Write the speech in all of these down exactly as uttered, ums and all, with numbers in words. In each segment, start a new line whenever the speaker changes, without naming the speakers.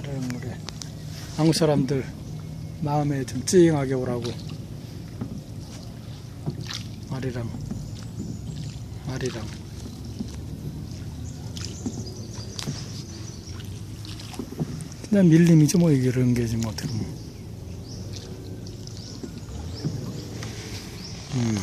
아래랑 우리 한국 사람들 마음에 좀 찡하게 오라고 아리랑 아리랑 그냥 밀림이죠 뭐 이게 이런 게지 뭐 어떻게 보면. 음.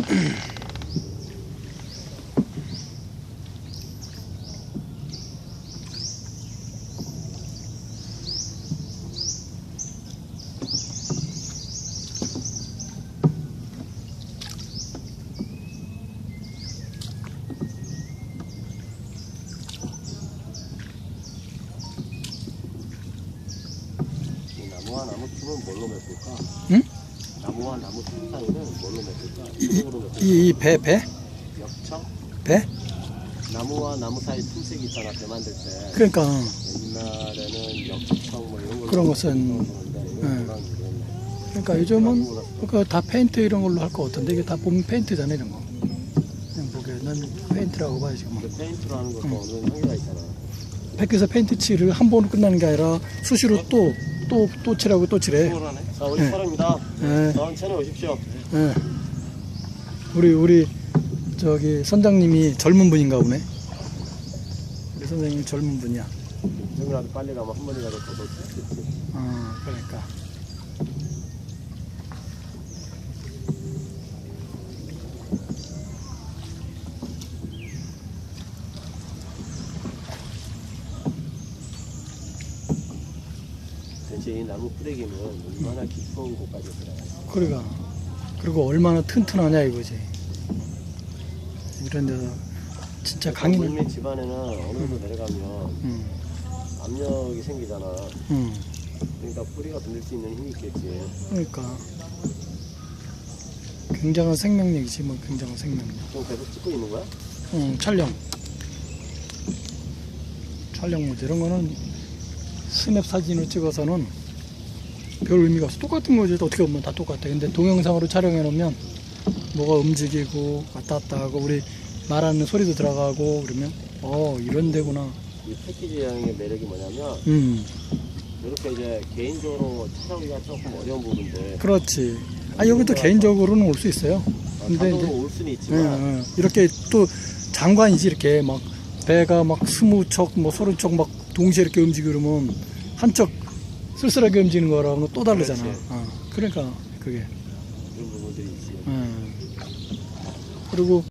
나무와 나무 틈은 뭘로 맺을까?
응?
나무와 나무 틈 사이는 뭘로 맺을까?
이 배 배?
역청?
배?
나무와 나무 사이 틈새기 있잖아, 배 만들 때.
그러니까
옛날에는 역청 뭐 이런 걸로
그런 것은,
네.
그러니까 요즘은 그다 페인트 이런 걸로 할 것 같은데 이게 다 보면 페인트잖아 이런 거. 그냥 보기에 난 페인트라고 봐요 지금.
그 페인트로 하는 것도
응.
어느 정도 한계가 있잖아.
백에서 페인트 칠을 한 번으로 끝나는 게 아니라 수시로 또 또 또 칠하고 또 칠해.
자, 우리
네.
사람입니다.
예,
다음 채널 오십시오.
예. 우리 우리 저기 선장님이 젊은 분인가 보네. 우리 선생님 젊은 분이야.
지금이라도 빨리 가면 한 번이라도 더 볼 수 있겠지.
어, 그러니까.
대신 이 나무 뿌리기는 얼마나 깊은 곳까지 들어가요.
그러니까. 그리고 얼마나 튼튼하냐 이거지. 이런 데서 진짜 강이.
물밑 집안에는 어느 정도 내려가면
음,
압력이 생기잖아.
음.
그러니까 뿌리가 건들 수 있는 힘이 있겠지.
그러니까 굉장한 생명력이지 뭐 굉장한 생명력.
지금 계속 찍고 있는 거야?
응, 촬영. 촬영 뭐 이런 거는 스냅 사진으로 찍어서는 별 의미가 없어. 똑같은 거지. 어떻게 보면 다 똑같아. 근데 동영상으로 촬영해 놓으면 뭐가 움직이고 왔다 갔다 하고 우리 말하는 소리도 들어가고 그러면 어 이런 데구나.
이 패키지 여행의 매력이 뭐냐면
음,
이렇게 이제 개인적으로 찾아오기가 조금 어려운 부분들
그렇지. 아 여기도 개인적으로는 올 수 있어요. 근데
자동으로
이제
올 수는
예,
있지만
예. 이렇게 또 장관이지 이렇게 막 배가 막 스무 척, 뭐 서른 척 막 동시에 이렇게 움직이고 그러면 한척 쓸쓸하게 움직이는 거랑은 또 다르잖아.
그렇지.
어, 그러니까 그게.
이런 부분들이 있지.
예. 그리고